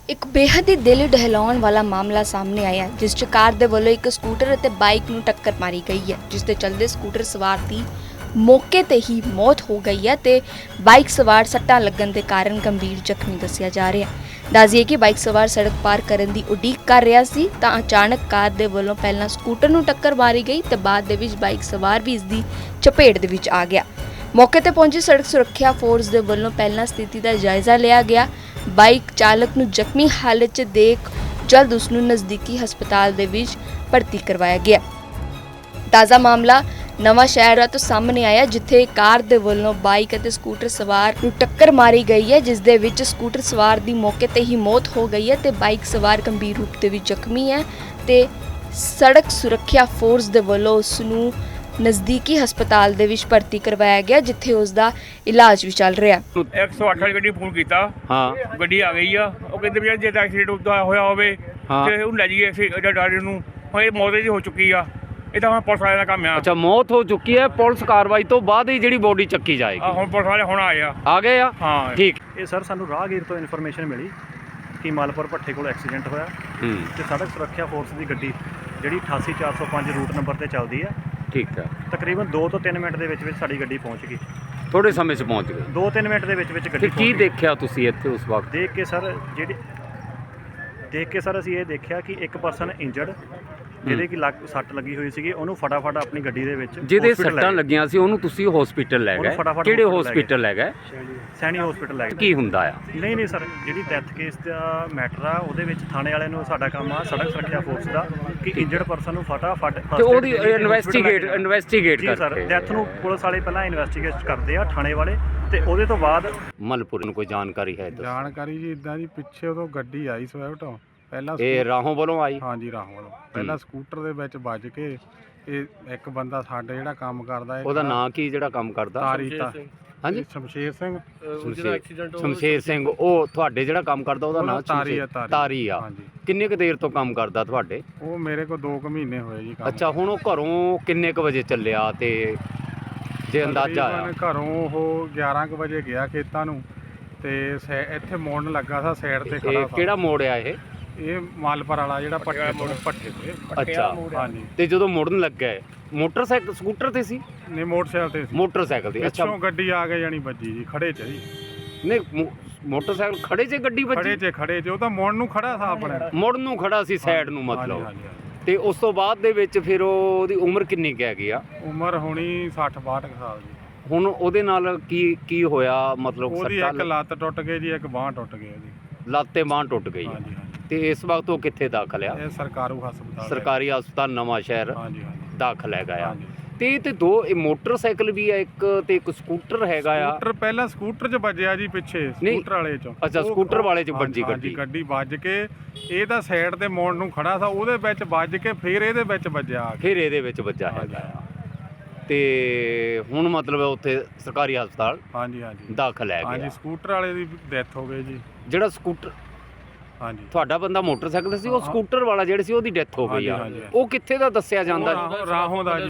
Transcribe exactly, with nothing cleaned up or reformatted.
ਇੱਕ ਬੇਹੱਦ ਹੀ ਦਿਲ ਦਹਿਲਾਉਣ ਵਾਲਾ ਮਾਮਲਾ ਸਾਹਮਣੇ ਆਇਆ ਹੈ, ਜਿਸ 'ਚ ਕਾਰ ਦੇ ਵੱਲੋਂ ਇੱਕ ਸਕੂਟਰ ਅਤੇ ਬਾਈਕ ਨੂੰ ਟੱਕਰ ਮਾਰੀ ਗਈ ਹੈ, ਜਿਸ ਦੇ ਚੱਲਦੇ ਸਕੂਟਰ ਸਵਾਰ ਦੀ ਮੌਕੇ ਤੇ ਹੀ ਮੌਤ ਹੋ ਗਈ ਹੈ ਤੇ ਬਾਈਕ ਸਵਾਰ ਸੱਟਾਂ ਲੱਗਣ ਦੇ ਕਾਰਨ ਗੰਭੀਰ ਜ਼ਖਮੀ ਦੱਸਿਆ ਜਾ ਰਿਹਾ ਹੈ। ਦੱਸਦੀਏ ਕਿ ਬਾਈਕ ਸਵਾਰ ਸੜਕ ਪਾਰ ਕਰਨ ਦੀ ਉਡੀਕ ਕਰ ਰਿਹਾ ਸੀ ਤਾਂ ਅਚਾਨਕ ਕਾਰ ਦੇ ਵੱਲੋਂ ਪਹਿਲਾਂ ਸਕੂਟਰ ਨੂੰ ਟੱਕਰ ਮਾਰੀ ਗਈ ਤੇ ਬਾਅਦ ਦੇ ਵਿੱਚ ਬਾਈਕ ਸਵਾਰ ਵੀ ਇਸ ਦੀ ਚਪੇਟ ਦੇ ਵਿੱਚ ਆ ਗਿਆ। ਮੌਕੇ ਤੇ ਪਹੁੰਚੀ ਸੜਕ ਸੁਰੱਖਿਆ ਫੋਰਸ ਦੇ ਵੱਲੋਂ ਪਹਿਲਾਂ ਸਥਿਤੀ ਦਾ ਜਾਇਜ਼ਾ ਲਿਆ ਗਿਆ। ਬਾਈਕ ਚਾਲਕ ਨੂੰ ਜ਼ਖਮੀ ਹਾਲਤ 'ਚ ਦੇਖ ਜਲਦ ਉਸ ਨੂੰ ਨਜ਼ਦੀਕੀ ਹਸਪਤਾਲ ਦੇ ਵਿੱਚ ਭਰਤੀ ਕਰਵਾਇਆ ਗਿਆ। ਤਾਜ਼ਾ ਮਾਮਲਾ ਨਵਾਂ ਸ਼ਹਿਰ ਤੋਂ ਸਾਹਮਣੇ ਆਇਆ, ਜਿੱਥੇ ਕਾਰ ਦੇ ਵੱਲੋਂ ਬਾਈਕ ਅਤੇ ਸਕੂਟਰ ਸਵਾਰ ਨੂੰ ਟੱਕਰ ਮਾਰੀ ਗਈ ਹੈ, ਜਿਸ ਦੇ ਵਿੱਚ ਸਕੂਟਰ ਸਵਾਰ ਦੀ ਮੌਕੇ ਤੇ ਹੀ ਮੌਤ ਹੋ ਗਈ ਹੈ ਤੇ ਬਾਈਕ ਸਵਾਰ ਗੰਭੀਰ ਰੂਪ ਦੇ ਵਿੱਚ ਜ਼ਖਮੀ ਹੈ ਤੇ ਸੜਕ ਸੁਰੱਖਿਆ ਫੋਰਸ ਦੇ ਵੱਲੋਂ ਉਸ ਨੂੰ ਨਜ਼ਦੀਕੀ ਹਸਪਤਾਲ ਦੇ ਵਿੱਚ ਭਰਤੀ ਕਰਵਾਇਆ ਗਿਆ, ਜਿੱਥੇ ਉਸ ਦਾ ਇਲਾਜ ਵੀ ਚੱਲ ਰਿਹਾ। ਇੱਕ ਸੌ ਅੱਠ ਵਾਲੀ ਗੱਡੀ ਫੋਨ ਕੀਤਾ, ਹਾਂ ਗੱਡੀ ਆ ਗਈ ਆ। ਉਹ ਕਹਿੰਦੇ ਵੀ ਜੇ ਤਾਂ ਐਕਸੀਡੈਂਟ ਉੱਦਾਂ ਹੋਇਆ ਹੋਵੇ ਤੇ ਉਹਨੂੰ ਲੈ ਜਾਈਏ ਅਸੀਂ ਡਾਕਟਰ ਨੂੰ। ਹੁਣ ਇਹ ਮੌਤ ਦੀ ਹੋ ਚੁੱਕੀ ਆ, ਇਹ ਤਾਂ ਹੁਣ ਪੁਲਿਸ ਵਾਲਿਆਂ ਦਾ ਕੰਮ ਆ। ਅੱਛਾ, ਮੌਤ ਹੋ ਚੁੱਕੀ ਹੈ, ਪੁਲਿਸ ਕਾਰਵਾਈ ਤੋਂ ਬਾਅਦ ਹੀ ਜਿਹੜੀ ਬੋਡੀ ਚੱਕੀ ਜਾਏਗੀ। ਆ ਹੁਣ ਪੁਲਿਸ ਵਾਲੇ ਹੁਣ ਆਏ ਆ ਆ ਗਏ ਆ, ਹਾਂ ਠੀਕ। ਇਹ ਸਰ ਸਾਨੂੰ ਰਾਹਗੀਰ ਤੋਂ ਇਨਫੋਰਮੇਸ਼ਨ ਮਿਲੀ ਕਿ ਮਾਲਪੁਰ ਭੱਠੇ ਕੋਲ ਐਕਸੀਡੈਂਟ ਹੋਇਆ ਹੂੰ ਤੇ ਸੜਕ ਸੁਰੱਖਿਆ ਫੋਰਸ ਦੀ ਗੱਡੀ ਜਿਹੜੀ ਅਠਾਸੀ ਚਾਰ ਸੌ ਪੰਜ ਰੂਟ ਨੰਬਰ ਤੇ ਚੱਲਦੀ ਆ, ਠੀਕ ਹੈ। ਤਕਰੀਬਨ ਦੋ ਤੋਂ ਤਿੰਨ ਮਿੰਟ ਦੇ ਵਿੱਚ ਵਿੱਚ ਸਾਡੀ ਗੱਡੀ ਪਹੁੰਚ ਗਈ। ਥੋੜੇ ਸਮੇਂ 'ਚ ਪਹੁੰਚ ਗਏ। ਦੋ ਤਿੰਨ ਮਿੰਟ ਦੇ ਵਿੱਚ ਵਿੱਚ ਤੇ ਗੱਡੀ ਕੀ ਪਹੁੰਚ ਗਈ। ਦੇਖਿਆ ਤੁਸੀਂ ਇੱਥੇ ਉਸ ਵਕਤ? ਦੇਖ ਕੇ ਸਰ ਜਿਹੜੀ ਦੇਖ ਕੇ ਸਰ ਅਸੀਂ ਇਹ ਦੇਖਿਆ ਕਿ ਇੱਕ ਪਰਸਨ ਇੰਜਰਡ, ਜਿਹਦੇ ਕਿ ਲੱਕ ਸੱਟ ਲੱਗੀ ਹੋਈ ਸੀਗੀ, ਉਹਨੂੰ ਫਟਾਫਟ ਆਪਣੀ ਗੱਡੀ ਦੇ ਵਿੱਚ ਜਿਹਦੇ hospital ਲੈ ਸੱਟਾਂ ਗਏ। ਲੱਗੀਆਂ ਸੀ ਉਹਨੂੰ ਤੁਸੀਂ ਹਸਪੀਟਲ ਲੈ ਉਹਨੂੰ ਗਏ? ਫਟਾਫਟ ਕਿਹੜੇ hospital ਲੈ ਹਸਪੀਟਲ ਲੈ ਗਏ? ਸੈਣੀ ਹਸਪੀਟਲ ਲੈ ਗਏ। ਕੀ ਹੁੰਦਾ ਆ? ਨਹੀਂ ਨਹੀਂ ਸਰ, ਜਿਹੜੀ ਡੈਥ ਕੇਸ ਦਾ ਮੈਟਰ ਆ ਉਹਦੇ ਵਿੱਚ ਥਾਣੇ ਵਾਲਿਆਂ ਨੂੰ ਸਾਡਾ ਕੰਮ ਆ ਸੜਕ ਸੁਰੱਖਿਆ ਫੋਰਸ ਦਾ ਕਿ ਇੰਜਰਡ ਪਰਸਨ ਨੂੰ ਫਟਾਫਟ ਤੇ ਉਹਦੀ ਇਨਵੈਸਟੀਗੇਟ ਇਨਵੈਸਟੀਗੇਟ ਜੀ ਸਰ, ਕਰਕੇ ਡੈਥ ਨੂੰ ਪੁਲਿਸ ਵਾਲੇ ਪਹਿਲਾਂ ਇਨਵੈਸਟੀਗੇਟ ਕਰਦੇ ਆ ਥਾਣੇ ਵਾਲੇ, ਤੇ ਉਹਦੇ ਤੋਂ ਬਾਅਦ ਮਲਪੁਰ ਨੂੰ ਕੋਈ ਜਾਣਕਾਰੀ ਹੈ? ਦੱਸੋ। ਜਾਣਕਾਰੀ ਜੀ ਇਦਾਂ ਜੀ, ਪਿੱਛੇ ਉਦੋਂ ਗੱਡੀ ਆਈ ਸਵਿਫਟ, ਪਹਿਲਾਂ ਇਹ ਰਾਹੋਂ ਵੱਲੋਂ ਆਈ? ਹਾਂਜੀ ਰਾਹੋਂ ਵੱਲੋਂ। ਪਹਿਲਾਂ ਸਕੂਟਰ ਦੇ ਵਿੱਚ ਵੱਜ ਕੇ ਇਹ ਇੱਕ ਬੰਦਾ ਸਾਡੇ ਜਿਹੜਾ ਕੰਮ ਕਰਦਾ ਹੈ, ਉਹਦਾ ਨਾਂ ਕੀ ਜਿਹੜਾ ਕੰਮ ਕਰਦਾ? ਤਾਰੀ ਤਾ ਹਾਂਜੀ, ਸ਼ਮਸ਼ੇਰ ਸਿੰਘ। ਸ਼ਮਸ਼ੇਰ ਸਿੰਘ। ਉਹ ਤੁਹਾਡੇ ਜਿਹੜਾ ਕੰਮ ਕਰਦਾ ਉਹਦਾ ਨਾਂ ਤਾਰੀ ਆ। ਤਾਰੀ ਆ। ਹਾਂਜੀ, ਕਿੰਨੇ ਕੁ ਦੇਰ ਤੋਂ ਕੰਮ ਕਰਦਾ ਤੁਹਾਡੇ? ਉਹ ਮੇਰੇ ਕੋਲ ਦੋ ਕੁ ਮਹੀਨੇ ਹੋਏ ਜੀ ਕੰਮ। ਅੱਛਾ, ਹੁਣ ਉਹ ਘਰੋਂ ਕਿੰਨੇ ਕੁ ਵਜੇ ਚੱਲਿਆ ਤੇ ਜੇ ਅੰਦਾਜ਼ਾ ਆਇਆ? ਤਕਰੀਬਨ ਘਰੋਂ ਉਹ ਗਿਆਰਾਂ ਕੁ ਵਜੇ ਗਿਆ ਖੇਤਾਂ ਨੂੰ ਤੇ ਸੈ- ਇੱਥੇ ਮੋੜਨ ਲੱਗਾ ਸੀ ਸਾਈਡ ਤੇ ਖੜਾ ਇਹ ਸੀ। ਕਿਹੜਾ ਮੋੜ ਆ ਇਹ? ਇਹ ਮਾਲਪੁਰ ਵਾਲਾ ਜਿਹੜਾ ਪੱਠੇ ਤੋਂ ਪੱਠੇ ਤੇ। ਅੱਛਾ, ਹਾਂਜੀ, ਤੇ ਜਦੋਂ ਮੁੜਨ ਲੱਗਾ ਮੋਟਰਸਾਈਕਲ ਸਕੂਟਰ ਤੇ ਸੀ? ਨਹੀਂ ਮੋਟਰਸਾਈਕਲ ਤੇ ਸੀ। ਮੋਟਰਸਾਈਕਲ ਤੇ। ਅੱਛਾ, ਪਿੱਛੋਂ ਗੱਡੀ ਆ ਕੇ ਜਾਣੀ ਵੱਜੀ ਜੀ, ਖੜੇ ਚ ਜੀ। ਨਹੀਂ ਮੋ- ਮੋਟਰਸਾਈਕਲ ਖੜੇ 'ਚ ਗੱਡੀ ਖੜੇ ਵੱਜੀ? ਚ ਖੜੇ ਚ ਉਹ ਤਾਂ ਮੋੜ ਨੂੰ ਖੜਾ ਸੀ ਆਪਣੇ। ਮੁੜਨ ਨੂੰ ਖੜਾ ਸੀ ਸਾਈਡ ਨੂੰ ਮਤਲਬ। ਹਾਂਜੀ, ਹਾਂਜੀ, ਹਾਂਜੀ। ਤੇ ਉਸ ਤੋਂ ਬਾਅਦ ਦੇ ਵਿੱਚ ਫਿਰ ਉਹਦੀ ਉਮਰ ਕਿੰਨੀ ਕੁ ਹੈਗੀ ਆ? ਉਮਰ ਹੋਣੀ ਸੱਠ ਬਾਹਠ ਕੁ ਸਾਲ ਦੀ। ਹੁਣ ਉਹਦੇ ਨਾਲ ਕੀ ਕੀ ਹੋਇਆ? ਮਤਲਬ ਉਹਦੀ ਸੱਟਾਂ ਇੱਕ ਲੱਤ ਟੁੱਟ ਗਈ ਜੀ, ਇੱਕ ਬਾਂਹ ਟੁੱਟ ਗਈ ਉਹਦੀ। ਲੱਤ ਤੇ ਬਾਂਹ ਟੁੱਟ ਗਈ ਆ। ਹਾਂਜੀ ਹਾਂਜੀ, ਤੇ ਇਸ ਵਕਤ ਉਹ ਕਿੱਥੇ ਦਾਖਲ ਆ? ਇਹ ਸਰਕਾਰੂ ਹਸਪਤਾਲ। ਸਰਕਾਰੀ ਹਸਪਤਾਲ ਨਵਾਂ ਸ਼ਹਿਰ ਹਾਂਜੀ ਹਾਂਜੀ ਦਾਖਲ ਹੈਗਾ ਆ। ਹਾਂਜੀ। ਤੇ ਇਹ ਤੇ ਦੋ ਇਹ ਮੋਟਰਸਾਈਕਲ ਵੀ ਆ ਇੱਕ, ਤੇ ਇੱਕ ਸਕੂਟਰ ਹੈਗਾ ਆ। ਸਕੂਟਰ ਪਹਿਲਾਂ ਸਕੂਟਰ 'ਚ ਵੱਜਿਆ ਜੀ, ਪਿੱਛੇ ਸਕੂਟਰ ਵਾਲੇ 'ਚ। ਅੱਛਾ, ਉਹ- ਸਕੂਟਰ ਵਾਲੇ 'ਚ ਹਾਂਜੀ, ਵੱਜੀ ਹਾਂਜੀ, ਗੱਡੀ। ਗੱਡੀ ਵੱਜ ਕੇ ਇਹ ਤਾਂ ਸਾਈਡ ਤੇ ਮੋੜ ਨੂੰ ਖੜਾ ਸੀ, ਉਹਦੇ ਵਿੱਚ ਵੱਜ ਕੇ ਫਿਰ ਇਹਦੇ ਵਿੱਚ ਵੱਜਿਆ ਆ ਕੇ। ਫਿਰ ਇਹਦੇ ਵਿੱਚ ਵੱਜਾ ਹੈਗਾ ਆ। ਤੇ ਹੁਣ ਮਤਲਬ ਉੱਥੇ ਸਰਕਾਰੀ ਹਸਪਤਾਲ ਹਾਂਜੀ ਹਾਂਜੀ ਦਾਖਲ ਹੈ ਹਾਂਜੀ, ਗਿਆ। ਸਕੂਟਰ ਵਾਲੇ ਦੀ ਡੈਥ ਹੋ ਗਈ ਜੀ। ਜਿਹੜਾ ਸਕੂਟਰ ਹਾਂਜੀ, ਤੁਹਾਡਾ ਬੰਦਾ ਮੋਟਰਸਾਈਕਲ ਤੇ ਸੀ, ਉਹ ਸਕੂਟਰ ਵਾਲਾ ਜਿਹੜਾ ਸੀ ਉਹਦੀ ਡੈਥ ਹੋ ਗਈ ਆ। ਹਾਂਜੀ, ਹਾਂਜੀ। ਉਹ ਕਿੱਥੇ ਦਾ ਦੱਸਿਆ ਜਾਂਦਾ? ਉਹ ਰਾਹੋਂ- ਰਾਹੋਂ ਦਾ ਜੀ।